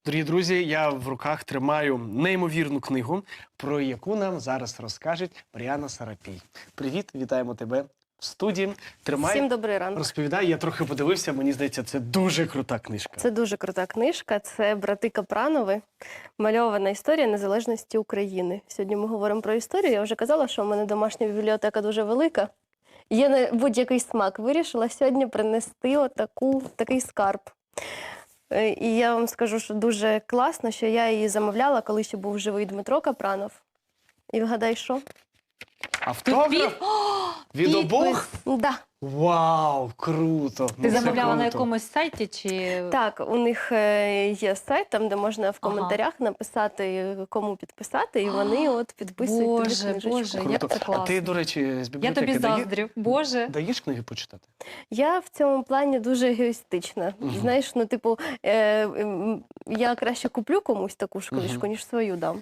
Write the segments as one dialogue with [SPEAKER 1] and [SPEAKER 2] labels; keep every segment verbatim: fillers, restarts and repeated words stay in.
[SPEAKER 1] Дорогі друзі, я в руках тримаю неймовірну книгу, про яку нам зараз розкаже Мар'яна Сарапій. Привіт, вітаємо тебе в студії. Тримай,
[SPEAKER 2] Всім добрий ранок.
[SPEAKER 1] розповідай. Я трохи подивився, мені здається, це дуже крута книжка.
[SPEAKER 2] Це дуже крута книжка. Це брати Капранови. Мальована історія незалежності України. Сьогодні ми говоримо про історію. Я вже казала, що в мене домашня бібліотека дуже велика. Є на будь-який смак. Вирішила сьогодні принести отаку, такий скарб. І я вам скажу, що дуже класно, що я її замовляла, коли ще був живий Дмитро Капранов. І вгадай, що?
[SPEAKER 1] Автограф? Від обох?
[SPEAKER 2] Да.
[SPEAKER 1] Вау, круто!
[SPEAKER 3] Ти
[SPEAKER 1] Ну, це
[SPEAKER 3] замовляла на
[SPEAKER 1] круто.
[SPEAKER 3] якомусь сайті чи
[SPEAKER 2] Так, у них е, є сайт, там, де можна в
[SPEAKER 3] Ага.
[SPEAKER 2] коментарях написати, кому підписати, і вони от підписують тобі
[SPEAKER 3] Боже,
[SPEAKER 2] книжечку.
[SPEAKER 3] Боже, як
[SPEAKER 1] Круто.
[SPEAKER 3] це класно.
[SPEAKER 1] А ти, до речі, з
[SPEAKER 3] Я
[SPEAKER 1] бібліотеки
[SPEAKER 3] тобі
[SPEAKER 1] дає-
[SPEAKER 3] заздрю. Боже.
[SPEAKER 1] даєш книги почитати?
[SPEAKER 2] Я в цьому плані дуже егоїстична.
[SPEAKER 1] Мгм.
[SPEAKER 2] Знаєш, ну, типу, е, м, я краще куплю комусь таку ж книжку,
[SPEAKER 1] Мгм.
[SPEAKER 2] ніж свою дам.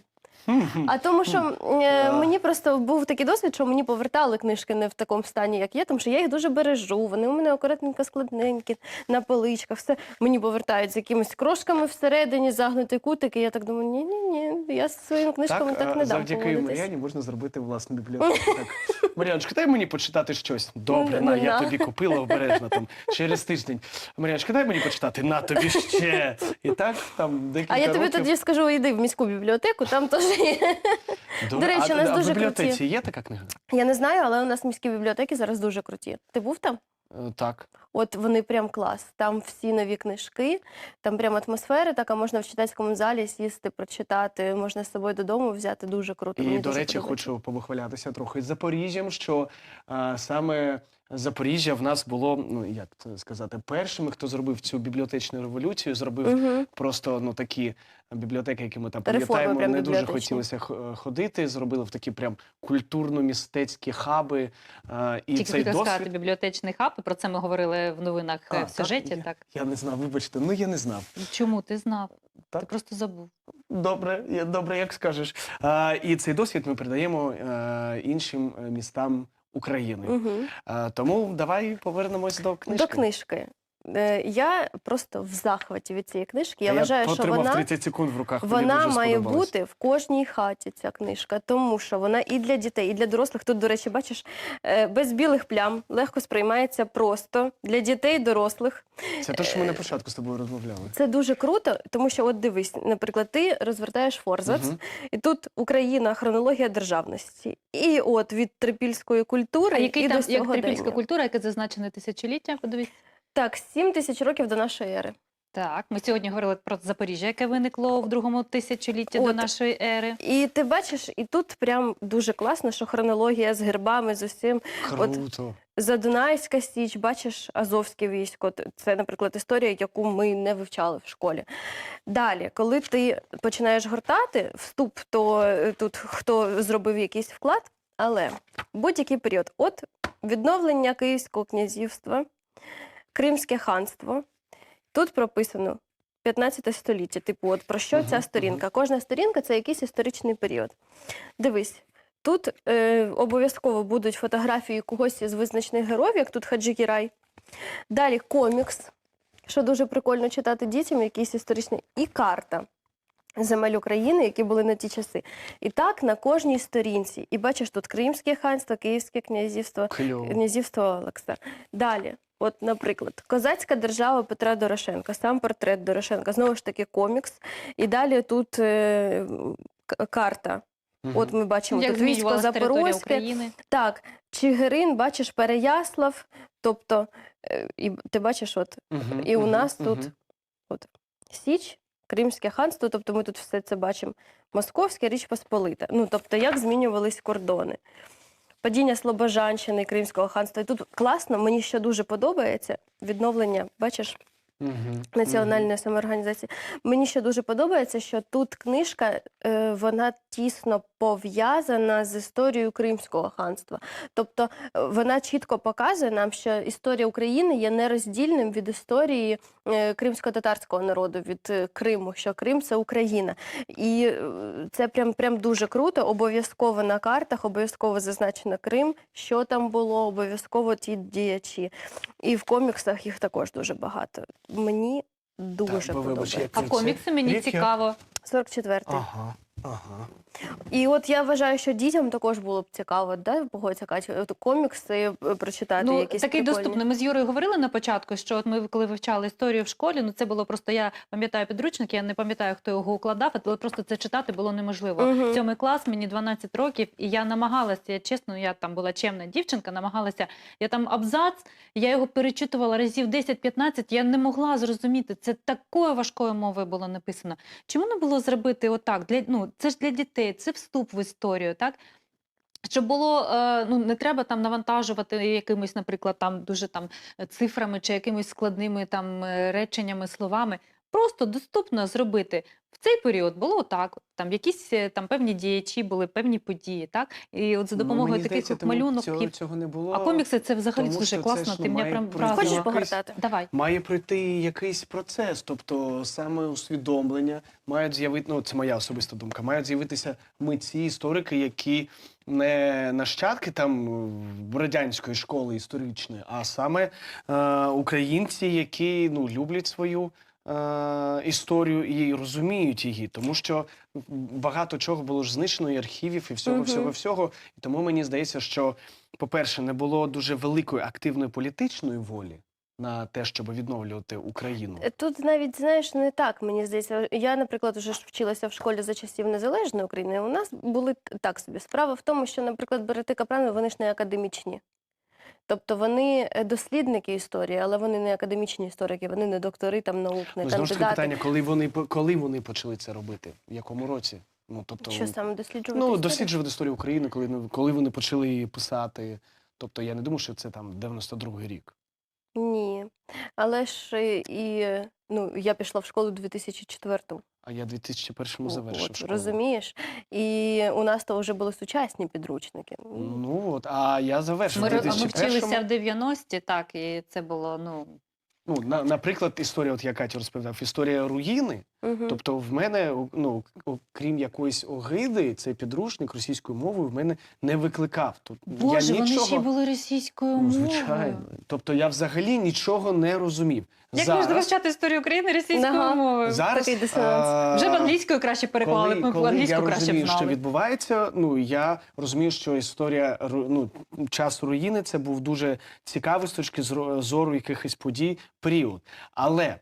[SPEAKER 2] А тому що е, мені просто був такий досвід, що мені повертали книжки не в такому стані, як є, тому що я їх дуже бережу, вони у мене акуратненько складненькі, на поличках, все. Мені повертають з якимись крошками всередині, загнуті кутики, я так думаю, ні-ні-ні, я з своїми книжками так,
[SPEAKER 1] а,
[SPEAKER 2] не дам
[SPEAKER 1] завдяки
[SPEAKER 2] поводитись.
[SPEAKER 1] Мар'яні можна зробити власну бібліотеку. Так. Мар'яночка, дай мені почитати щось. Добре,
[SPEAKER 2] Ну,
[SPEAKER 1] на, я
[SPEAKER 2] на.
[SPEAKER 1] тобі купила обережно там через тиждень. Мар'яночка, дай мені почитати, на тобі ще. І так там декілька
[SPEAKER 2] А я тобі
[SPEAKER 1] років.
[SPEAKER 2] тоді скажу, йди в міську бібліотеку, там теж є.
[SPEAKER 1] До,
[SPEAKER 2] До речі,
[SPEAKER 1] а,
[SPEAKER 2] у нас
[SPEAKER 1] а
[SPEAKER 2] дуже
[SPEAKER 1] в бібліотеці
[SPEAKER 2] круті.
[SPEAKER 1] є така книга?
[SPEAKER 2] Я не знаю, але у нас міські бібліотеки зараз дуже круті. Ти був там?
[SPEAKER 1] Е, Так.
[SPEAKER 2] От вони прям клас. Там всі нові книжки, там прям атмосфера така, можна в читацькому залі сісти, прочитати, можна з собою додому взяти, дуже круто.
[SPEAKER 1] І,
[SPEAKER 2] Мені
[SPEAKER 1] до
[SPEAKER 2] дуже
[SPEAKER 1] речі,
[SPEAKER 2] подобається.
[SPEAKER 1] хочу повихвалятися трохи з Запоріжжям, що а, саме Запоріжжя в нас було, ну як це сказати, першими, хто зробив цю бібліотечну революцію, зробив
[SPEAKER 2] Мгм.
[SPEAKER 1] просто ну такі бібліотеки, які ми там
[SPEAKER 2] Реформи
[SPEAKER 1] пам'ятаємо,
[SPEAKER 2] прям
[SPEAKER 1] не дуже
[SPEAKER 2] бібліотечні.
[SPEAKER 1] хотілося х- ходити, зробили в такі прям культурно-містецькі хаби. А, і
[SPEAKER 3] Тільки
[SPEAKER 1] цей
[SPEAKER 3] хотіла сказати
[SPEAKER 1] досвід.
[SPEAKER 3] бібліотечний хаб, і про це ми говорили в новинах
[SPEAKER 1] А,
[SPEAKER 3] е, в сюжеті.
[SPEAKER 1] Я,
[SPEAKER 3] Так.
[SPEAKER 1] я не знав, вибачте, ну я не знав.
[SPEAKER 3] Чому ти знав?
[SPEAKER 1] Так.
[SPEAKER 3] Ти просто забув.
[SPEAKER 1] Добре, я- добре, як скажеш. А, і цей досвід ми передаємо е, іншим е, містам України.
[SPEAKER 2] Мгм.
[SPEAKER 1] А, тому давай повернемось до книжки.
[SPEAKER 2] До книжки. Е, Я просто в захваті від цієї книжки. Я
[SPEAKER 1] А
[SPEAKER 2] вважаю, що
[SPEAKER 1] потримав
[SPEAKER 2] вона...
[SPEAKER 1] тридцять секунд в руках. мені
[SPEAKER 2] Вона
[SPEAKER 1] дуже
[SPEAKER 2] має
[SPEAKER 1] сподобалось.
[SPEAKER 2] бути в кожній хаті, ця книжка, тому що вона і для дітей, і для дорослих. Тут, до речі, бачиш, е, без білих плям, легко сприймається просто для дітей, дорослих.
[SPEAKER 1] Це те, що ми на початку з тобою розмовляли.
[SPEAKER 2] Це дуже круто, тому що, от дивись, наприклад, ти розвертаєш форзац,
[SPEAKER 1] Мгм.
[SPEAKER 2] і тут Україна, хронологія державності. І от від трипільської культури
[SPEAKER 3] А який
[SPEAKER 2] і
[SPEAKER 3] там
[SPEAKER 2] до
[SPEAKER 3] як
[SPEAKER 2] сьогодення.
[SPEAKER 3] трипільська культура, яке зазначене тисячоліття? Подивіться.
[SPEAKER 2] Так, сім тисяч років до нашої ери.
[SPEAKER 3] Так, ми сьогодні говорили про Запоріжжя, яке виникло в другому тисячолітті до
[SPEAKER 2] От.
[SPEAKER 3] нашої ери.
[SPEAKER 2] І ти бачиш, і тут прям дуже класно, що хронологія з гербами, з усім.
[SPEAKER 1] Круто.
[SPEAKER 2] Задунайська Січ, бачиш, Азовське військо. Це, наприклад, історія, яку ми не вивчали в школі. Далі, коли ти починаєш гортати вступ, то е, тут хто зробив якийсь вклад, але будь-який період. От відновлення Київського князівства, Кримське ханство. Тут прописано п'ятнадцяте століття. Типу, от про що
[SPEAKER 1] Мгм,
[SPEAKER 2] ця сторінка? Кожна сторінка – це якийсь історичний період. Дивись, тут е, обов'язково будуть фотографії когось із визначених героїв, як тут Хаджі Гірай. Далі комікс, що дуже прикольно читати дітям, якийсь історичний. І карта земель України, які були на ті часи. І так на кожній сторінці. І бачиш, тут Кримське ханство, Київське князівство,
[SPEAKER 1] Кльово.
[SPEAKER 2] князівство Олекса. Далі, от, наприклад, козацька держава Петра Дорошенка, сам портрет Дорошенка, знову ж таки комікс. І далі тут е, к- карта.
[SPEAKER 1] Мгм.
[SPEAKER 2] От ми бачимо,
[SPEAKER 3] Як
[SPEAKER 2] тут військо
[SPEAKER 3] змінювалася територія
[SPEAKER 2] Запорозьке.
[SPEAKER 3] України.
[SPEAKER 2] Так, Чигирин, бачиш, Переяслав, тобто, е, і ти бачиш, от,
[SPEAKER 1] Мгм,
[SPEAKER 2] і у
[SPEAKER 1] мгм,
[SPEAKER 2] нас
[SPEAKER 1] мгм.
[SPEAKER 2] тут от, Січ, Кримське ханство, тобто ми тут все це бачимо. Московська Річ Посполита. Ну, тобто, як змінювались кордони. Падіння Слобожанщини, Кримського ханства. І тут класно, мені ще дуже подобається відновлення, бачиш,
[SPEAKER 1] Мгм,
[SPEAKER 2] національної самоорганізації. Мені ще дуже подобається, що тут книжка, е, вона тісно пов'язана з історією Кримського ханства. Тобто е, вона чітко показує нам, що історія України є нероздільним від історії е, кримсько-татарського народу, від е, Криму, що Крим – це Україна. І е, це прям, прям дуже круто, обов'язково на картах, обов'язково зазначено Крим, що там було, обов'язково ті діячі. І в коміксах їх також дуже багато. Мені дуже
[SPEAKER 1] Так, бо, вибач,
[SPEAKER 2] подобається.
[SPEAKER 1] як
[SPEAKER 3] А
[SPEAKER 1] це-
[SPEAKER 3] комікси мені
[SPEAKER 1] рік я-
[SPEAKER 3] цікаво.
[SPEAKER 2] сорок четвертий.
[SPEAKER 1] Ага, ага.
[SPEAKER 2] І от я вважаю, що дітям також було б цікаво, да, погодься, Катя, от комікси е, прочитати
[SPEAKER 3] Ну,
[SPEAKER 2] якісь
[SPEAKER 3] такий
[SPEAKER 2] прикольні.
[SPEAKER 3] доступний. Ми з Юрою говорили на початку, що от ми, коли вивчали історію в школі, ну це було просто, я пам'ятаю підручник, я не пам'ятаю, хто його укладав, але просто це читати було неможливо.
[SPEAKER 2] Мгм.
[SPEAKER 3] Сьомий клас, мені дванадцять років, і я намагалася, я чесно, я там була чемна дівчинка, намагалася, я там абзац, я його перечитувала разів десять-п'ятнадцять, я не могла зрозуміти, це такою важкою мовою було написано. Чому не було зробити отак? Для, ну, це ж для дітей, це вступ в історію, так? Щоб було, е, ну, не треба там навантажувати якимись, наприклад, там дуже там цифрами чи якимись складними там е, реченнями, словами. Просто доступно зробити. В цей період було так, там якісь е, там певні діячі були, певні події, так? І от за допомогою
[SPEAKER 1] Ну, мені
[SPEAKER 3] таких
[SPEAKER 1] здається,
[SPEAKER 3] от
[SPEAKER 1] тому
[SPEAKER 3] малюнок.
[SPEAKER 1] Цього, цього не було.
[SPEAKER 3] А комікси це взагалі
[SPEAKER 1] тому
[SPEAKER 3] дуже
[SPEAKER 1] що це
[SPEAKER 3] класно,
[SPEAKER 1] ж,
[SPEAKER 3] ти
[SPEAKER 1] ну,
[SPEAKER 3] мене
[SPEAKER 1] має
[SPEAKER 3] прям
[SPEAKER 1] пройти
[SPEAKER 3] вразила.
[SPEAKER 2] Хочеш
[SPEAKER 1] якийсь-
[SPEAKER 2] погортати?
[SPEAKER 3] Давай.
[SPEAKER 1] Має пройти якийсь процес, тобто саме усвідомлення, мають з'явити, ну це моя особиста думка, мають з'явитися митці, історики, які не нащадки там в радянської школи історичної, а саме е, українці, які ну, люблять свою е, історію і розуміють її, тому що багато чого було ж знищено, і архівів, і всього,
[SPEAKER 2] Мгм.
[SPEAKER 1] всього, всього. І тому мені здається, що, по-перше, не було дуже великої активної політичної волі на те, щоб відновлювати Україну.
[SPEAKER 2] Тут навіть, знаєш, не так, мені здається. Я, наприклад, вже ж вчилася в школі за часів Незалежної України. У нас були т- так собі. Справа в тому, що, наприклад, Берети Капранови, вони ж не академічні. Тобто вони е, дослідники історії, але вони не академічні історики, вони не доктори там наук, не
[SPEAKER 1] Ну, знову ж таки
[SPEAKER 2] кандидати.
[SPEAKER 1] питання, коли вони, по- коли вони почали це робити? В якому році? Ну, тобто,
[SPEAKER 2] Що саме досліджувати
[SPEAKER 1] ну,
[SPEAKER 2] історію?
[SPEAKER 1] досліджувати історію України, коли, ну, коли вони почали її писати. Тобто я не думаю, що це там дев'яносто другий рік.
[SPEAKER 2] Ні. Але ж е, і е, ну, я пішла в школу у дві тисячі четвертому.
[SPEAKER 1] А я в дві тисячі першому
[SPEAKER 2] О,
[SPEAKER 1] завершив
[SPEAKER 2] от,
[SPEAKER 1] школу.
[SPEAKER 2] розумієш? І у нас то вже були сучасні підручники.
[SPEAKER 1] Ну от, а я завершив
[SPEAKER 3] Ми,
[SPEAKER 1] в
[SPEAKER 3] ро- ми
[SPEAKER 1] дві тисячі
[SPEAKER 3] вчилися
[SPEAKER 1] першому.
[SPEAKER 3] в дев'яності, так, і це було, ну,
[SPEAKER 1] Ну, на, наприклад, історія, от я Катю розповідав, історія руїни.
[SPEAKER 2] Угу.
[SPEAKER 1] Тобто в мене, ну, окрім якоїсь огиди, цей підручник російською мовою в мене не викликав. Тобто,
[SPEAKER 3] Боже,
[SPEAKER 1] я
[SPEAKER 3] вони
[SPEAKER 1] нічого...
[SPEAKER 3] ще й були російською
[SPEAKER 1] Ну,
[SPEAKER 3] мовою.
[SPEAKER 1] звичайно. Тобто я взагалі нічого не розумів.
[SPEAKER 3] Як можна вивчати історію України російською
[SPEAKER 2] Ага.
[SPEAKER 3] мовою?
[SPEAKER 1] зараз
[SPEAKER 2] Такий дисонанс.
[SPEAKER 1] а,
[SPEAKER 3] Вже б англійською краще переклали,
[SPEAKER 1] коли,
[SPEAKER 3] ми б
[SPEAKER 1] коли
[SPEAKER 3] англійську
[SPEAKER 1] я
[SPEAKER 3] краще б
[SPEAKER 1] розумію, що
[SPEAKER 3] знали.
[SPEAKER 1] відбувається, ну я розумію, що історія ру- ну, час руїни це був дуже цікавий з точки зро- зору якихось подій період. Але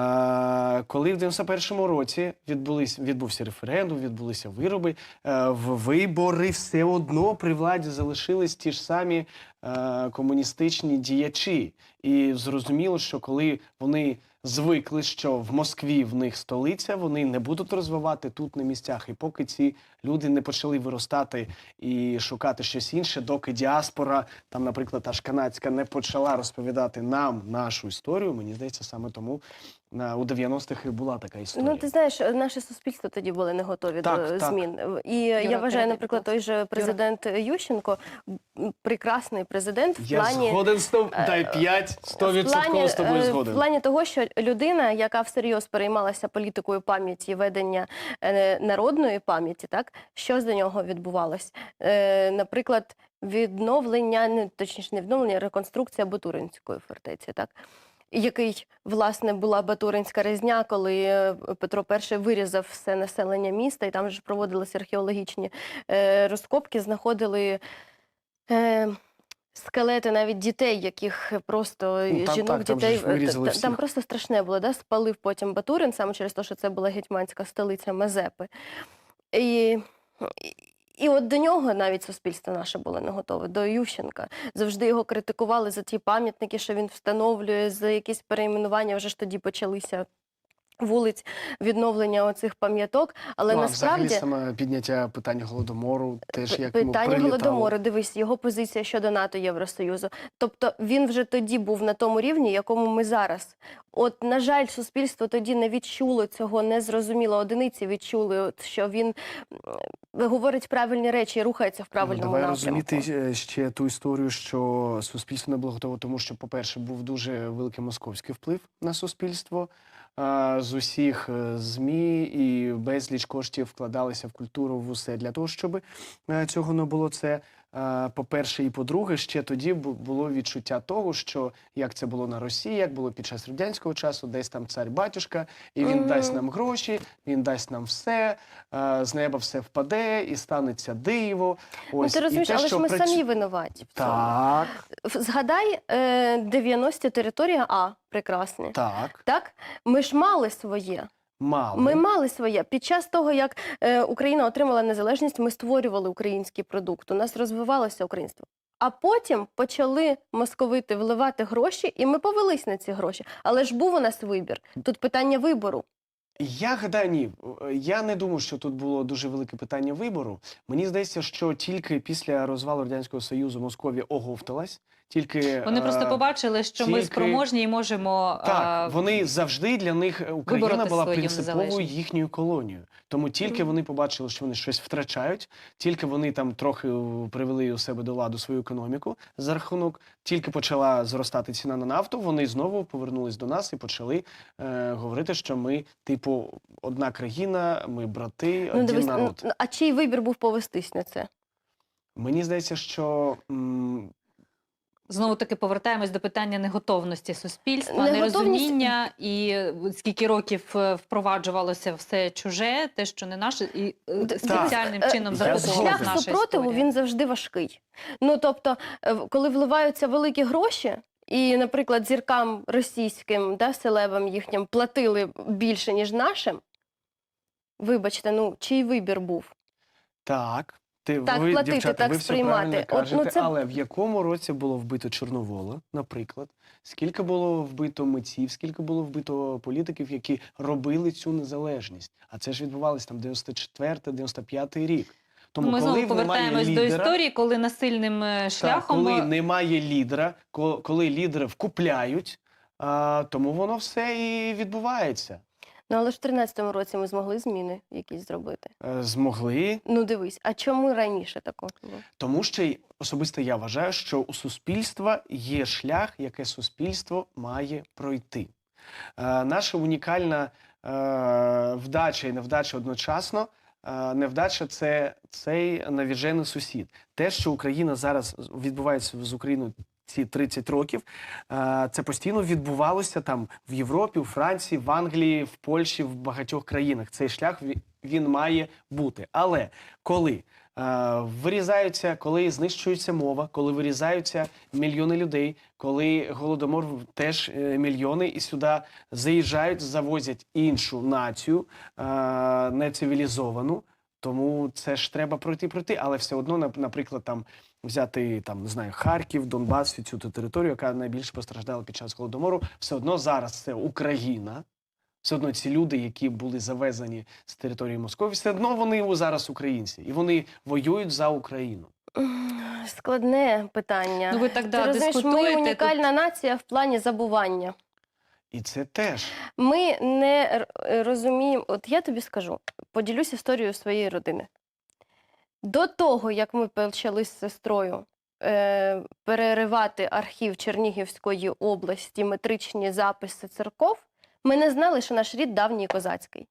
[SPEAKER 1] е, коли в дев'яносто першому році відбулись, відбувся референдум, відбулися вироби, е, в вибори все одно при владі залишились ті ж самі е, комуністичні діячі. І зрозуміло, що коли вони звикли, що в Москві в них столиця, вони не будуть розвивати тут на місцях. І поки ці люди не почали виростати і шукати щось інше, доки діаспора, там, наприклад, аж канадська, не почала розповідати нам нашу історію, мені здається, саме тому на, у дев'яностих і була така історія.
[SPEAKER 2] Ну, ти знаєш, наше суспільство тоді були не готові
[SPEAKER 1] Так,
[SPEAKER 2] до
[SPEAKER 1] так.
[SPEAKER 2] змін. І я вважаю,
[SPEAKER 3] передай,
[SPEAKER 2] наприклад,
[SPEAKER 3] будь
[SPEAKER 2] той же президент Ющенко, м, прекрасний президент в
[SPEAKER 1] Я
[SPEAKER 2] плані...
[SPEAKER 1] згоден з тобою, дай п'ять, сто відсотків з тобою
[SPEAKER 2] е,
[SPEAKER 1] згоден.
[SPEAKER 2] В плані того, що людина, яка всерйоз переймалася політикою пам'яті, ведення е, народної пам'яті, так, що за нього відбувалось? Е, наприклад, відновлення, не, точніше, не відновлення, а реконструкція Батуринської фортеці, так? Який, власне, була Батуринська резня, коли е, Петро І вирізав все населення міста, і там же проводилися археологічні е, розкопки, знаходили е, скелети навіть дітей, яких просто
[SPEAKER 1] Ну, там
[SPEAKER 2] жінок,
[SPEAKER 1] так, там же
[SPEAKER 2] дітей.
[SPEAKER 1] ж вирізали
[SPEAKER 2] Та- та- там
[SPEAKER 1] всіх.
[SPEAKER 2] просто страшне було, да? Спалив потім Батурин, саме через те, що це була гетьманська столиця Мазепи. І, і, і от до нього навіть суспільство наше було не готове, до Ющенка. Завжди його критикували за ті пам'ятники, що він встановлює, за якісь перейменування, вже ж тоді почалися вулиць, відновлення оцих пам'яток. Але
[SPEAKER 1] Ну, а
[SPEAKER 2] насправді...
[SPEAKER 1] взагалі саме підняття питання Голодомору, теж
[SPEAKER 2] П-
[SPEAKER 1] як йому
[SPEAKER 2] Питання
[SPEAKER 1] прилітало.
[SPEAKER 2] Голодомору, дивись, його позиція щодо НАТО, Євросоюзу. Тобто він вже тоді був на тому рівні, якому ми зараз. От, на жаль, суспільство тоді не відчуло цього, не зрозуміло. Одиниці відчули, от, що він м, говорить правильні речі і рухається в
[SPEAKER 1] Ну,
[SPEAKER 2] правильному
[SPEAKER 1] давай
[SPEAKER 2] напрямку.
[SPEAKER 1] розуміти е, ще ту історію, що суспільство не було готове, тому що, по-перше, був дуже великий московський вплив на суспільство. А, з усіх е, ЗМІ і безліч коштів вкладалися в культуру, в усе для того, щоб е, цього не було. Це е, по-перше, і по-друге, ще тоді бу- було відчуття того, що як це було на Росії, як було під час радянського часу, десь там цар-батюшка, і він
[SPEAKER 2] Мгм.
[SPEAKER 1] дасть нам гроші, він дасть нам все, е, з неба все впаде, і станеться диво.
[SPEAKER 2] Ну,
[SPEAKER 1] Ось,
[SPEAKER 2] ти
[SPEAKER 1] і
[SPEAKER 2] розумієш,
[SPEAKER 1] те,
[SPEAKER 2] але ж
[SPEAKER 1] що
[SPEAKER 2] ми
[SPEAKER 1] працю-
[SPEAKER 2] самі винуваті. в цьому.
[SPEAKER 1] Так,
[SPEAKER 2] В- Згадай е, дев'яності територія А, прекрасне.
[SPEAKER 1] так,
[SPEAKER 2] Так? Ми ж мали своє.
[SPEAKER 1] мало.
[SPEAKER 2] Ми мали своє. Під час того, як е, Україна отримала незалежність, ми створювали український продукт, у нас розвивалося українство. А потім почали московити вливати гроші, і ми повелись на ці гроші. Але ж був у нас вибір. Тут питання вибору.
[SPEAKER 1] Я гадаю, ні. Я не думаю, що тут було дуже велике питання вибору. Мені здається, що тільки після розвалу Радянського Союзу Московія оговталась. Тільки,
[SPEAKER 3] Вони просто
[SPEAKER 1] е,
[SPEAKER 3] побачили, що ми
[SPEAKER 1] тільки-
[SPEAKER 3] спроможні і можемо
[SPEAKER 1] Так,
[SPEAKER 3] е,
[SPEAKER 1] вони завжди для них Україна
[SPEAKER 3] вибороти
[SPEAKER 1] була
[SPEAKER 3] свою
[SPEAKER 1] принциповою
[SPEAKER 3] незалежність.
[SPEAKER 1] їхньою колонією. Тому тільки
[SPEAKER 2] Мгм.
[SPEAKER 1] вони побачили, що вони щось втрачають, тільки вони там трохи е, привели у себе до ладу свою економіку за рахунок, тільки почала зростати ціна на нафту, вони знову повернулись до нас і почали е, говорити, що ми, типу, одна країна, ми брати,
[SPEAKER 2] Ну,
[SPEAKER 1] один
[SPEAKER 2] дивись,
[SPEAKER 1] народ.
[SPEAKER 2] ну, а чий вибір був повестись на це?
[SPEAKER 1] Мені здається, що м,
[SPEAKER 3] Знову таки повертаємось до питання неготовності суспільства,
[SPEAKER 2] Неготовність-
[SPEAKER 3] нерозуміння і е, скільки років е, впроваджувалося все чуже, те, що не наше, і е,
[SPEAKER 2] Д-
[SPEAKER 3] спеціальним
[SPEAKER 2] Е,
[SPEAKER 3] чином
[SPEAKER 1] я
[SPEAKER 3] закуповувалася
[SPEAKER 1] згоден.
[SPEAKER 2] Шлях
[SPEAKER 3] наша
[SPEAKER 2] супротиву,
[SPEAKER 3] історія.
[SPEAKER 2] він завжди важкий. Ну, тобто, е, в- коли вливаються великі гроші, і, наприклад, зіркам російським, да, селебам їхнім платили більше, ніж нашим, вибачте, ну, чий вибір був?
[SPEAKER 1] так. Ти,
[SPEAKER 2] Так
[SPEAKER 1] ви,
[SPEAKER 2] платити,
[SPEAKER 1] дівчата,
[SPEAKER 2] так
[SPEAKER 1] ви все
[SPEAKER 2] сприймати.
[SPEAKER 1] правильно
[SPEAKER 2] От, ну,
[SPEAKER 1] кажете,
[SPEAKER 2] це-
[SPEAKER 1] але в якому році було вбито Чорновола, наприклад? Скільки було вбито митців, скільки було вбито політиків, які робили цю незалежність? А це ж відбувалося там дев'яносто четвертий дев'яносто п'ятий рік. Тому
[SPEAKER 3] Ми
[SPEAKER 1] коли
[SPEAKER 3] знову
[SPEAKER 1] немає
[SPEAKER 3] повертаємось до
[SPEAKER 1] лідера,
[SPEAKER 3] історії, коли насильним е,
[SPEAKER 1] так,
[SPEAKER 3] шляхом
[SPEAKER 1] коли
[SPEAKER 3] е,
[SPEAKER 1] немає лідера, ко- коли лідери вкупляють, а, тому воно все і відбувається.
[SPEAKER 2] Ну, але ж в тринадцятому році ми змогли зміни якісь зробити.
[SPEAKER 1] Е, Змогли.
[SPEAKER 2] Ну, дивись, а чому раніше такого було?
[SPEAKER 1] Тому що й- особисто я вважаю, що у суспільства є шлях, яке суспільство має пройти. Е, наша унікальна е, вдача і невдача одночасно. Е, невдача це цей навіжений сусід. Те, що Україна зараз відбувається з Україною ці тридцять років, е, це постійно відбувалося там в Європі, у Франції, в Англії, в Польщі, в багатьох країнах. Цей шлях ві- він має бути. Але коли е, вирізаються, коли знищується мова, коли вирізаються мільйони людей, коли голодомор в- теж е, мільйони, і сюди заїжджають, завозять іншу націю, е, нецивілізовану. Тому це ж треба пройти, пройти, але все одно, нап- наприклад, там взяти там не знаю Харків, Донбас, всю цю територію, яка найбільше постраждала під час голодомору, все одно зараз це Україна. Все одно ці люди, які були завезені з території Московії, все одно вони у- зараз українці, і вони воюють за Україну.
[SPEAKER 2] М, Складне питання.
[SPEAKER 3] ну ви так
[SPEAKER 2] Ти
[SPEAKER 3] да,
[SPEAKER 2] розумієш, ми
[SPEAKER 3] дискутуєте. тут
[SPEAKER 2] унікальна нація в плані забування.
[SPEAKER 1] І це теж
[SPEAKER 2] Ми не р- е, розуміємо, от я тобі скажу, поділюсь історією своєї родини. До того, як ми почали з сестрою е, переривати архів Чернігівської області, метричні записи церков, ми не знали, що наш рід давній козацький.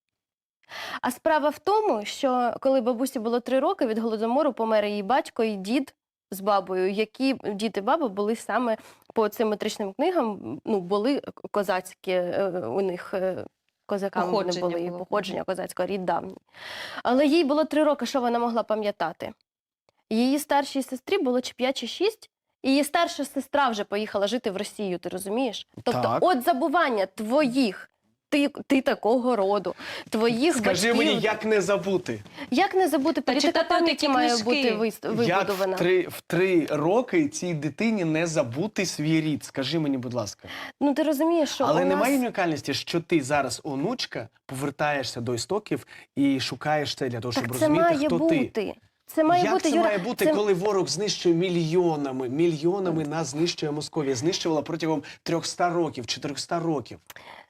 [SPEAKER 2] А справа в тому, що коли бабусі було три роки, від голодомору помер її батько і дід з бабою, які дід і баба були саме по цим метричним книгам, ну, були козацькі е, у них. е, Козаками вони
[SPEAKER 3] Походження
[SPEAKER 2] були, і
[SPEAKER 3] було.
[SPEAKER 2] походження козацького, рід давній. Але їй було три роки, що вона могла пам'ятати. Її старшій сестрі було чи п'ять, чи шість, і її старша сестра вже поїхала жити в Росію, ти розумієш? Тобто,
[SPEAKER 1] Так.
[SPEAKER 2] от забування твоїх, ти, ти такого роду, твоїх
[SPEAKER 1] скажи
[SPEAKER 2] батьків.
[SPEAKER 1] мені, як не забути,
[SPEAKER 2] Як не забути,
[SPEAKER 3] Та
[SPEAKER 2] політика
[SPEAKER 3] читати
[SPEAKER 2] пам'яті
[SPEAKER 3] такі
[SPEAKER 2] має
[SPEAKER 3] книжки.
[SPEAKER 2] бути вис-
[SPEAKER 1] як
[SPEAKER 2] вибудована.
[SPEAKER 1] в три в три роки цій дитині не забути свій рід. Скажи мені, будь ласка.
[SPEAKER 2] Ну ти розумієш, що
[SPEAKER 1] Але
[SPEAKER 2] у
[SPEAKER 1] немає
[SPEAKER 2] нас...
[SPEAKER 1] унікальності, що ти зараз, онучка, повертаєшся до істоків і шукаєш це для того, щоб
[SPEAKER 2] Так це
[SPEAKER 1] розуміти,
[SPEAKER 2] має
[SPEAKER 1] хто
[SPEAKER 2] бути.
[SPEAKER 1] ти.
[SPEAKER 2] Це має
[SPEAKER 1] Як
[SPEAKER 2] бути,
[SPEAKER 1] це
[SPEAKER 2] Юра,
[SPEAKER 1] має бути,
[SPEAKER 2] це-
[SPEAKER 1] коли ворог знищує мільйонами, мільйонами нас знищує Московія, знищувала протягом трьохсот років, чотирьохсот років.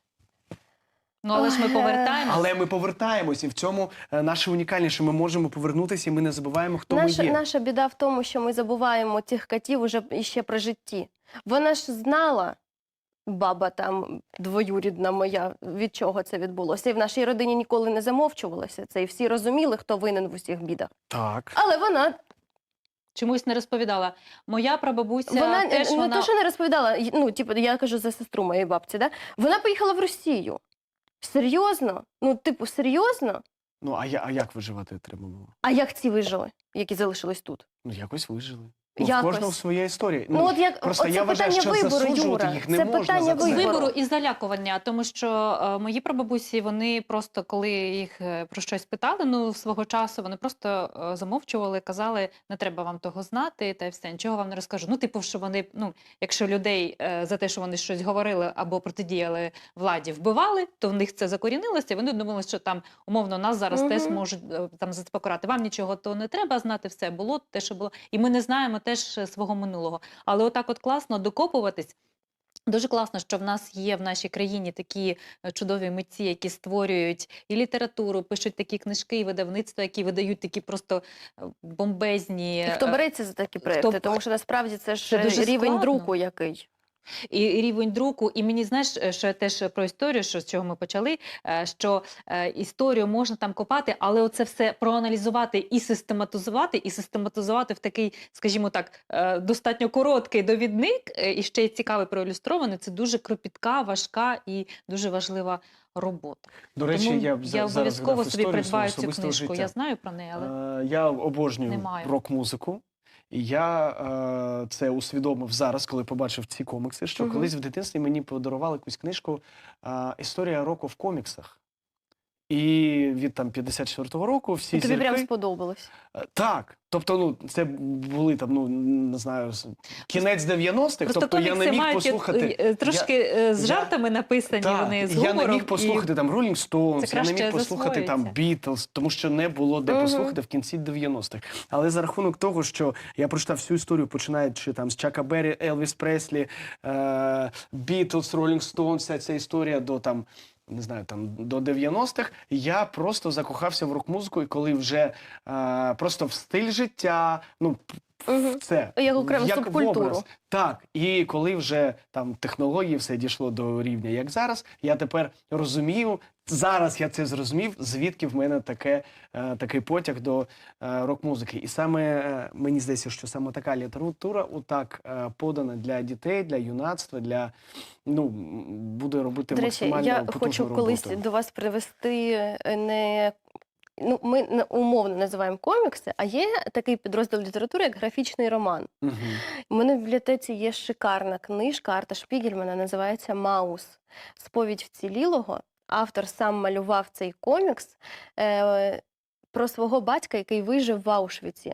[SPEAKER 3] Ну але ж ми
[SPEAKER 2] Ой, е,
[SPEAKER 3] повертаємось.
[SPEAKER 1] Але ми повертаємось, і в цьому е, наше унікальність, що ми можемо повернутися, і ми не забуваємо, хто
[SPEAKER 2] наша,
[SPEAKER 1] ми є.
[SPEAKER 2] наша біда в тому, що ми забуваємо тих катів уже іще при житті. Вона ж знала, баба там двоюрідна моя, від чого це відбулося. І в нашій родині ніколи не замовчувалося це, і всі розуміли, хто винен в усіх бідах.
[SPEAKER 1] Так.
[SPEAKER 2] Але вона
[SPEAKER 3] Чомусь не розповідала. Моя прабабуся
[SPEAKER 2] Вона е,
[SPEAKER 3] теж
[SPEAKER 2] не
[SPEAKER 3] вона...
[SPEAKER 2] то, що не розповідала, й- ну, типу, я кажу за сестру моєї бабці, да? Вона поїхала в Росію. Серйозно? Ну, типу, серйозно?
[SPEAKER 1] Ну, а, я, а як виживати треба було?
[SPEAKER 2] А як ці вижили, які залишились тут?
[SPEAKER 1] Ну, якось вижили. Ну, в
[SPEAKER 2] Якось.
[SPEAKER 1] кожного своя історія.
[SPEAKER 2] Ну, от як
[SPEAKER 1] просто
[SPEAKER 2] оце
[SPEAKER 1] я вважаю,
[SPEAKER 2] питання
[SPEAKER 1] що
[SPEAKER 2] вибору,
[SPEAKER 1] засуджувати
[SPEAKER 2] Юра.
[SPEAKER 1] їх не
[SPEAKER 2] Це
[SPEAKER 1] можна
[SPEAKER 2] питання
[SPEAKER 1] за це.
[SPEAKER 2] вибору.
[SPEAKER 3] Вибору і залякування, тому що е, мої прабабусі, вони просто, коли їх е, про щось питали, ну, свого часу, вони просто е, замовчували, казали, не треба вам того знати, та й все, нічого вам не розкажу. Ну, типу, що вони, ну, якщо людей е, за те, що вони щось говорили або протидіяли владі, вбивали, то в них це закорінилося, і вони думали, що там, умовно, нас зараз
[SPEAKER 2] Мгм.
[SPEAKER 3] теж можуть е, там за це покарати. Вам нічого то не треба знати, все було те, що було. І ми не знаємо теж е, свого минулого. Але отак от класно докопуватись. Дуже класно, що в нас є в нашій країні такі е, чудові митці, які створюють і літературу, пишуть такі книжки, і видавництва, які видають такі просто е, бомбезні.
[SPEAKER 2] І хто
[SPEAKER 3] е,
[SPEAKER 2] береться за такі проекти?
[SPEAKER 3] хто-
[SPEAKER 2] Тому що насправді це ж
[SPEAKER 3] Це дуже
[SPEAKER 2] рівень
[SPEAKER 3] складно.
[SPEAKER 2] друку який.
[SPEAKER 3] І рівень друку, і мені, знаєш, е, що я теж про історію, що з чого ми почали, е, що е, історію можна там копати, але оце все проаналізувати і систематизувати, і систематизувати в такий, скажімо так, е, достатньо короткий довідник, е, і ще й цікавий проілюстрований, це дуже кропітка, важка і дуже важлива робота.
[SPEAKER 1] До речі,
[SPEAKER 3] Тому
[SPEAKER 1] я, б за-
[SPEAKER 3] я
[SPEAKER 1] зараз
[SPEAKER 3] обов'язково
[SPEAKER 1] згадав
[SPEAKER 3] собі
[SPEAKER 1] історію
[SPEAKER 3] придбаю
[SPEAKER 1] свого
[SPEAKER 3] цю
[SPEAKER 1] особистого
[SPEAKER 3] книжку.
[SPEAKER 1] життя.
[SPEAKER 3] Я знаю про неї, але
[SPEAKER 1] Е, Я обожнюю
[SPEAKER 3] Не маю.
[SPEAKER 1] рок-музику. І я е, це усвідомив зараз, коли побачив ці комікси, що
[SPEAKER 2] Мгм.
[SPEAKER 1] колись в дитинстві мені подарували якусь книжку е, «Історія року в коміксах». І від там п'ятдесят четвертого року всі
[SPEAKER 2] І тобі
[SPEAKER 1] зірки...
[SPEAKER 2] прям сподобалось.
[SPEAKER 1] Е, Так, тобто, ну, це були там, ну, не знаю, з- кінець дев'яностих,
[SPEAKER 3] просто
[SPEAKER 1] тобто я не
[SPEAKER 3] комікси
[SPEAKER 1] міг
[SPEAKER 3] мають
[SPEAKER 1] послухати...
[SPEAKER 3] е, трошки е, з
[SPEAKER 1] я-
[SPEAKER 3] жартами написані,
[SPEAKER 1] Так,
[SPEAKER 3] вони з
[SPEAKER 1] я не
[SPEAKER 3] гумором.
[SPEAKER 1] міг послухати там Rolling Stones,
[SPEAKER 3] це
[SPEAKER 1] я не міг
[SPEAKER 3] краще
[SPEAKER 1] послухати там
[SPEAKER 3] засвоюється.
[SPEAKER 1] Beatles, тому що не було де
[SPEAKER 2] Мгм.
[SPEAKER 1] послухати в кінці дев'яностих. Але за рахунок того, що я прочитав всю історію, починаючи там з Чака Беррі, Елвіс Преслі, е, Beatles, Rolling Stones, вся ця історія до там, не знаю, там до дев'яностих, я просто закохався в рок-музику, і коли вже е, просто в стиль життя, ну,
[SPEAKER 2] Мгм.
[SPEAKER 1] в це.
[SPEAKER 2] Як окрему
[SPEAKER 1] в
[SPEAKER 2] субкультуру.
[SPEAKER 1] образ. Так, і коли вже там технології все дійшло до рівня, як зараз, я тепер розумію, зараз я це зрозумів, звідки в мене таке, е, такий потяг до е, рок-музики. І саме е, мені здається, що саме така література отак е, подана для дітей, для юнацтва, для ну м, буде робити
[SPEAKER 2] До речі,
[SPEAKER 1] максимально
[SPEAKER 2] я
[SPEAKER 1] потужну
[SPEAKER 2] хочу
[SPEAKER 1] роботу.
[SPEAKER 2] колись до вас привести е, не. Ну, ми на- умовно називаємо комікси, а є такий підрозділ літератури, як графічний роман.
[SPEAKER 1] Мгм.
[SPEAKER 2] У мене в бібліотеці є шикарна книжка Арта Шпігельмана, називається «Маус. Сповідь вцілілого». Автор сам малював цей комікс е, про свого батька, який вижив в Аушвіці.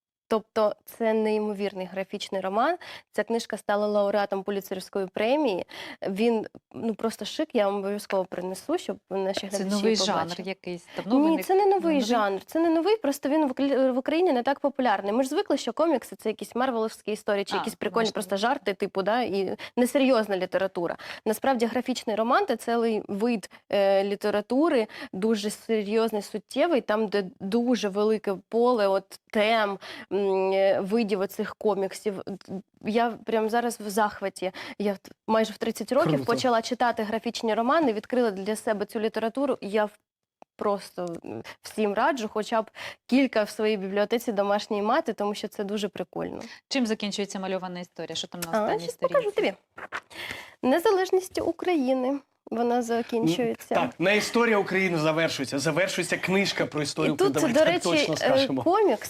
[SPEAKER 2] Тобто це неймовірний графічний роман. Ця книжка стала лауреатом Пулітцерівської премії. Він ну просто шик, я вам обов'язково принесу, щоб наші
[SPEAKER 3] Це
[SPEAKER 2] глядачі
[SPEAKER 3] новий
[SPEAKER 2] побачили.
[SPEAKER 3] жанр якийсь. Давно
[SPEAKER 2] Ні,
[SPEAKER 3] виник?
[SPEAKER 2] це не новий
[SPEAKER 3] новий?
[SPEAKER 2] жанр. Це не новий, просто він в Укра- в Україні не так популярний. Ми ж звикли, що комікси це якісь марвеловські історії, чи
[SPEAKER 3] А,
[SPEAKER 2] якісь прикольні
[SPEAKER 3] бачите.
[SPEAKER 2] просто жарти, типу, да, і несерйозна література. Насправді графічний роман це цілий вид е, літератури, дуже серйозний, суттєвий, там, де дуже велике поле от тем, м, е, видів оцих коміксів. Я прямо зараз в захваті. Я в- майже в тридцять років
[SPEAKER 1] Круто.
[SPEAKER 2] почала читати графічні романи, відкрила для себе цю літературу. І я в- просто м, всім раджу хоча б кілька в своїй бібліотеці домашньої мати, тому що це дуже прикольно.
[SPEAKER 3] Чим закінчується мальована історія? Що там на
[SPEAKER 2] А,
[SPEAKER 3] останній
[SPEAKER 2] щас
[SPEAKER 3] сторінці?
[SPEAKER 2] покажу тобі. Незалежністю України. Вона закінчується.
[SPEAKER 1] Так, не історія України завершується, завершується книжка про історію
[SPEAKER 2] І тут,
[SPEAKER 1] України.
[SPEAKER 2] до
[SPEAKER 1] Давайте
[SPEAKER 2] речі,
[SPEAKER 1] точно
[SPEAKER 2] е,
[SPEAKER 1] скажемо.
[SPEAKER 2] комікс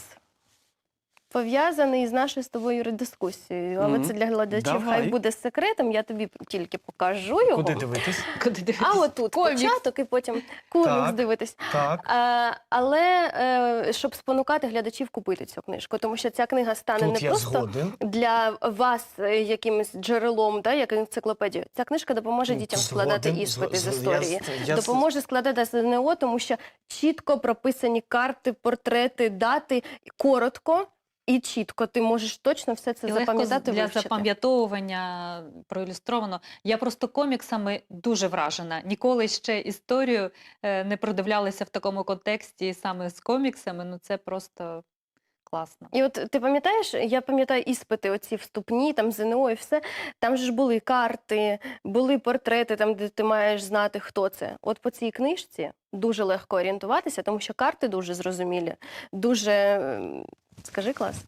[SPEAKER 2] пов'язаний з нашою з тобою дискусією. Але
[SPEAKER 1] Мгм.
[SPEAKER 2] це для глядачів
[SPEAKER 1] Давай.
[SPEAKER 2] хай буде секретом, я тобі тільки покажу його.
[SPEAKER 1] Куди дивитись?
[SPEAKER 3] Куди дивитись?
[SPEAKER 2] А отут
[SPEAKER 3] Комікс.
[SPEAKER 2] початок і потім комікс
[SPEAKER 1] Так.
[SPEAKER 2] дивитись.
[SPEAKER 1] Так.
[SPEAKER 2] Е, але е, щоб спонукати глядачів купити цю книжку, тому що ця книга стане
[SPEAKER 1] Тут
[SPEAKER 2] не
[SPEAKER 1] я
[SPEAKER 2] просто
[SPEAKER 1] згоден.
[SPEAKER 2] для вас е, якимось джерелом, да, як енциклопедію. Ця книжка допоможе дітям складати
[SPEAKER 1] Згоден,
[SPEAKER 2] іспити
[SPEAKER 1] з-
[SPEAKER 2] з
[SPEAKER 1] з- я
[SPEAKER 2] історії.
[SPEAKER 1] з- я з-
[SPEAKER 2] Допоможе складати ЗНО, тому що чітко прописані карти, портрети, дати, коротко і чітко. Ти можеш точно все це
[SPEAKER 3] І легко
[SPEAKER 2] запам'ятати,
[SPEAKER 3] для
[SPEAKER 2] вивчити.
[SPEAKER 3] запам'ятовування проілюстровано. Я просто коміксами дуже вражена. Ніколи ще історію е, не продивлялася в такому контексті саме з коміксами. Ну це просто класно.
[SPEAKER 2] І от ти пам'ятаєш, я пам'ятаю іспити оці вступні, там ЗНО і все, там же ж були карти, були портрети, там, де ти маєш знати, хто це. От по цій книжці дуже легко орієнтуватися, тому що карти дуже зрозумілі, дуже, ем, скажи, клас.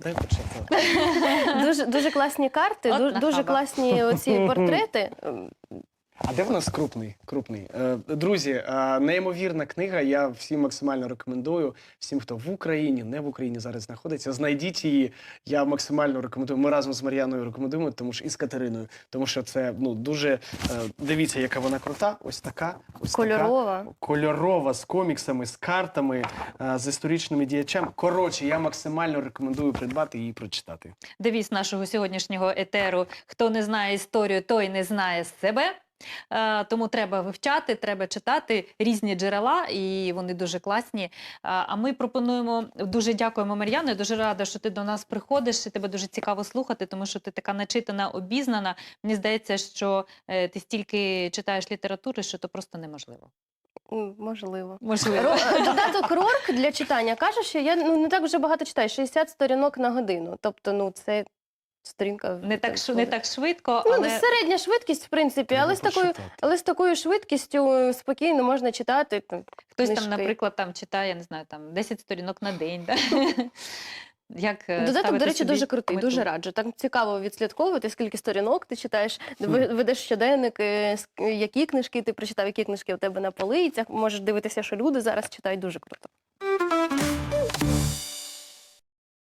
[SPEAKER 1] дай почитати.
[SPEAKER 2] Дуже, дуже класні карти,
[SPEAKER 3] От
[SPEAKER 2] дуже, дуже
[SPEAKER 3] нахаба.
[SPEAKER 2] класні оці портрети.
[SPEAKER 1] А де в нас крупний? крупний? Е, Друзі, е, неймовірна книга. Я всім максимально рекомендую. Всім, хто в Україні, не в Україні зараз знаходиться, знайдіть її. Я максимально рекомендую. Ми разом з Мар'яною рекомендуємо, тому що і з Катериною, тому що це ну дуже е, дивіться, яка вона крута. Ось така, ось
[SPEAKER 2] Кольорова.
[SPEAKER 1] така кольорова з коміксами, з картами, е, з історичними діячами. Коротше, я максимально рекомендую придбати і прочитати.
[SPEAKER 3] Девіз нашого сьогоднішнього етеру: хто не знає історію, той не знає себе. Е, Тому треба вивчати, треба читати різні джерела, і вони дуже класні. Е, А ми пропонуємо, дуже дякуємо, Мар'яно, я дуже рада, що ти до нас приходиш, і тебе дуже цікаво слухати, тому що ти така начитана, обізнана. Мені здається, що е, ти стільки читаєш літератури, що то просто неможливо.
[SPEAKER 2] М, Можливо.
[SPEAKER 3] Можливо.
[SPEAKER 2] Ро- Додаток Рорк для читання каже, що я ну, не так вже багато читаю, шістдесят сторінок на годину. Тобто, ну, це сторінка...
[SPEAKER 3] Не так, ш- не так швидко,
[SPEAKER 2] Ну,
[SPEAKER 3] але
[SPEAKER 2] середня швидкість, в принципі, але з,
[SPEAKER 1] Треба
[SPEAKER 2] такою,
[SPEAKER 1] прочитати.
[SPEAKER 2] але з такою швидкістю спокійно можна читати. там,
[SPEAKER 3] хтось там,
[SPEAKER 2] книжки.
[SPEAKER 3] наприклад, там читає, я не знаю, там десять сторінок на день. Да? Як е,
[SPEAKER 2] Додаток,
[SPEAKER 3] ставити
[SPEAKER 2] до речі,
[SPEAKER 3] собі
[SPEAKER 2] дуже крутий,
[SPEAKER 3] мету?
[SPEAKER 2] дуже раджу. Так цікаво відслідковувати, скільки сторінок ти читаєш, ви- ведеш щоденник, е, с- які книжки ти прочитав, які книжки у тебе на полицях. Можеш дивитися, що люди зараз читають, дуже круто.